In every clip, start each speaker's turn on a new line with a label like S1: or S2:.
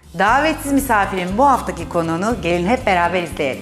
S1: Davetsiz misafirin bu haftaki konuğunu gelin hep beraber izleyelim.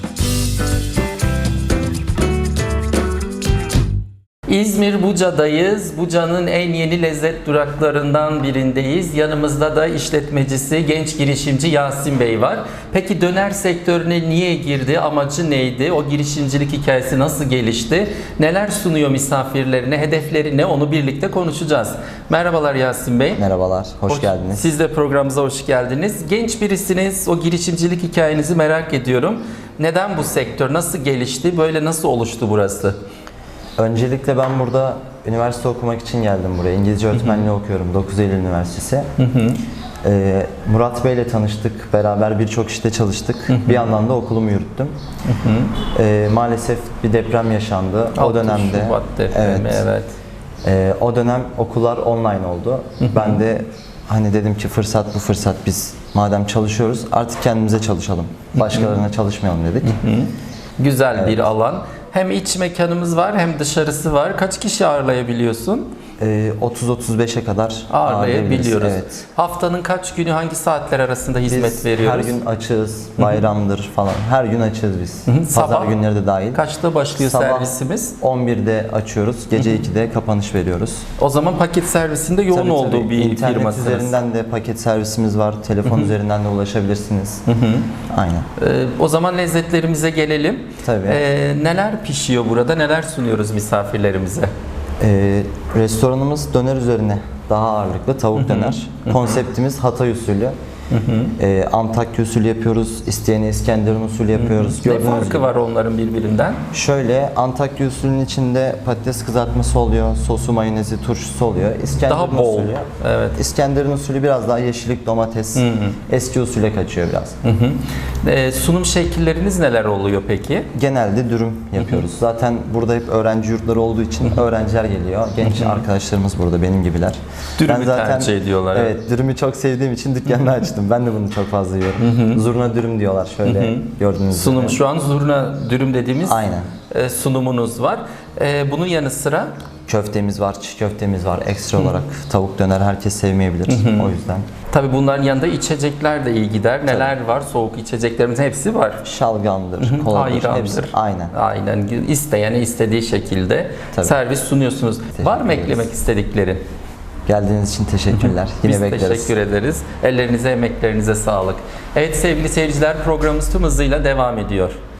S2: İzmir Buca'dayız. Buca'nın en yeni lezzet duraklarından birindeyiz. Yanımızda da işletmecisi, genç girişimci Yasin Bey var. Peki döner sektörüne niye girdi? Amacı neydi? O girişimcilik hikayesi nasıl gelişti? Neler sunuyor misafirlerine? Hedefleri ne? Onu birlikte konuşacağız. Merhabalar Yasin Bey.
S3: Merhabalar, hoş geldiniz.
S2: Siz de programımıza hoş geldiniz. Genç birisiniz. O girişimcilik hikayenizi merak ediyorum. Neden bu sektör? Nasıl gelişti? Böyle nasıl oluştu burası?
S3: Öncelikle ben burada üniversite okumak için geldim buraya. İngilizce öğretmenliği okuyorum, 9 Eylül Üniversitesi. Murat Bey ile tanıştık, beraber birçok işte çalıştık. Bir yandan da okulumu yürüttüm. Maalesef bir deprem yaşandı. O dönemde,
S2: Şubat depremi, evet.
S3: O dönem okullar online oldu. Ben de hani dedim ki fırsat bu fırsat, biz madem çalışıyoruz artık kendimize çalışalım. Başkalarına çalışmayalım dedik.
S2: Güzel bir alan. Hem iç mekanımız var hem dışarısı var. Kaç kişi ağırlayabiliyorsun?
S3: 30-35'e kadar
S2: Ağırlayabiliyoruz.
S3: Evet.
S2: Haftanın kaç günü hangi saatler arasında hizmet
S3: Biz
S2: veriyoruz?
S3: her gün açığız, bayramdır falan. Her gün açığız biz.
S2: Sabah
S3: Pazar günleri de dahil.
S2: Kaçta başlıyor
S3: Sabah
S2: servisimiz?
S3: 11'de açıyoruz, gece 2'de kapanış veriyoruz.
S2: O zaman paket servisinde yoğun
S3: Tabii,
S2: olduğu bir
S3: İnternet
S2: firmasınız.
S3: üzerinden de paket servisimiz var, telefon üzerinden de ulaşabilirsiniz. Aynen.
S2: O zaman lezzetlerimize gelelim.
S3: Tabii.
S2: Neler pişiyor burada? Neler sunuyoruz misafirlerimize?
S3: Restoranımız döner üzerine daha ağırlıklı, tavuk döner. Konseptimiz Hatay usulü. Antakya usulü yapıyoruz, isteyene İskenderun usulü yapıyoruz.
S2: Ne
S3: Gördüğünüz
S2: farkı
S3: gibi.
S2: var onların birbirinden?
S3: Şöyle, Antakya usulünün içinde patates kızartması oluyor, sosu, mayonezi, turşusu oluyor. İskenderun
S2: Daha bol.
S3: usulü,
S2: Evet.
S3: İskenderun usulü biraz daha yeşillik, domates, eski usule kaçıyor biraz.
S2: Sunum şekilleriniz neler oluyor peki?
S3: Genelde dürüm yapıyoruz. Zaten burada hep öğrenci yurtları olduğu için öğrenciler geliyor. Genç arkadaşlarımız burada, benim gibiler.
S2: Dürümü tercih ediyorlar.
S3: Evet, dürümü çok sevdiğim için dükkanını açtım. Ben de bunu çok fazla yiyorum. Zurna dürüm diyorlar şöyle, gördüğünüz gibi.
S2: Sunum şu an zurna dürüm dediğimiz
S3: Aynen.
S2: Sunumunuz var. Bunun yanı sıra
S3: Köftemiz var, çiğ köftemiz var. Ekstra olarak tavuk döner herkes sevmeyebilir. O yüzden.
S2: tabii bunların yanında içecekler de iyi gider. Neler var? Soğuk içeceklerimiz hepsi var.
S3: Şalgamdır, koladır, hepsi.
S2: Ayrandır.
S3: Aynen.
S2: Aynen. İsteyene istediği şekilde
S3: Tabii.
S2: servis sunuyorsunuz. Var mı
S3: ederiz.
S2: eklemek istediklerin?
S3: Geldiğiniz için teşekkürler. Yine
S2: Biz
S3: bekleriz.
S2: teşekkür ederiz. Ellerinize, emeklerinize sağlık. Evet sevgili seyirciler, programımız tüm hızıyla devam ediyor.